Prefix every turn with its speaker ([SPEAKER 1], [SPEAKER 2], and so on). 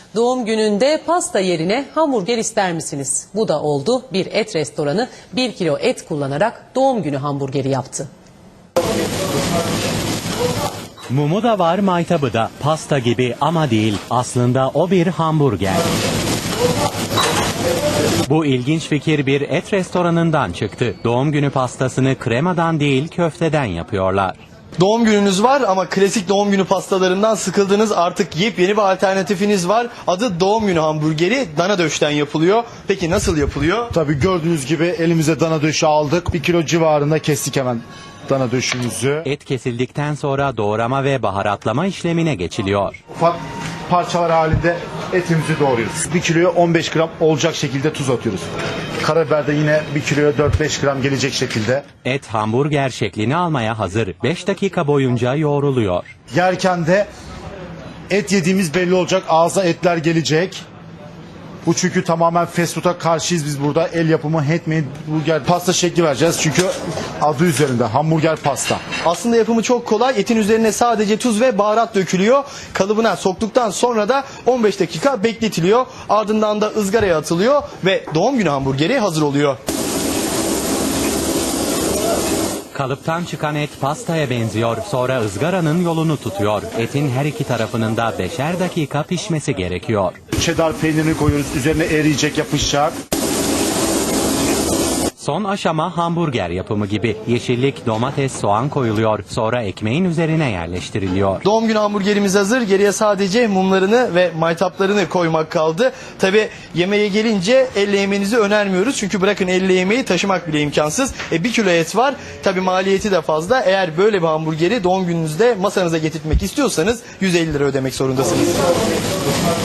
[SPEAKER 1] Doğum gününde pasta yerine hamburger ister misiniz? Bu da oldu. Bir et restoranı 1 kilo et kullanarak doğum günü hamburgeri yaptı.
[SPEAKER 2] Mumu da var, maytabı da. Pasta gibi ama değil. Aslında o bir hamburger. Bu ilginç fikir bir et restoranından çıktı. Doğum günü pastasını kremadan değil köfteden yapıyorlar.
[SPEAKER 3] Doğum gününüz var ama klasik doğum günü pastalarından sıkıldınız. Artık yepyeni bir alternatifiniz var. Adı doğum günü hamburgeri. Dana döşten yapılıyor. Peki nasıl yapılıyor?
[SPEAKER 4] Tabii gördüğünüz gibi elimize dana döşü aldık. 1 kilo civarında kestik hemen dana döşümüzü.
[SPEAKER 2] Et kesildikten sonra doğrama ve baharatlama işlemine geçiliyor.
[SPEAKER 4] Ufak parçalar halinde etimizi doğruyoruz. 1 kiloya 15 gram olacak şekilde tuz atıyoruz. Karabiber de yine 1 kiloya 4-5 gram gelecek şekilde.
[SPEAKER 2] Et hamburger şeklini almaya hazır. 5 dakika boyunca yoğruluyor.
[SPEAKER 4] Yerken de et yediğimiz belli olacak. Ağza etler gelecek. Bu çünkü tamamen fast food'a karşıyız biz burada. El yapımı handmade burger pasta şekli vereceğiz. Çünkü adı üzerinde hamburger pasta.
[SPEAKER 3] Aslında yapımı çok kolay. Etin üzerine sadece tuz ve baharat dökülüyor. Kalıbına soktuktan sonra da 15 dakika bekletiliyor. Ardından da ızgaraya atılıyor ve doğum günü hamburgeri hazır oluyor.
[SPEAKER 2] Kalıptan çıkan et pastaya benziyor. Sonra ızgaranın yolunu tutuyor. Etin her iki tarafının da 5'er dakika pişmesi gerekiyor.
[SPEAKER 4] Cheddar peynirini koyuyoruz. Üzerine eriyecek, yapışacak.
[SPEAKER 2] Son aşama hamburger yapımı gibi. Yeşillik, domates, soğan koyuluyor. Sonra ekmeğin üzerine yerleştiriliyor.
[SPEAKER 3] Doğum günü hamburgerimiz hazır. Geriye sadece mumlarını ve maytaplarını koymak kaldı. Tabi yemeğe gelince elle yemenizi önermiyoruz. Çünkü bırakın elle yemeği taşımak bile imkansız. 1 kilo et var. Tabi maliyeti de fazla. Eğer böyle bir hamburgeri doğum gününüzde masanıza getirtmek istiyorsanız 150 lira ödemek zorundasınız.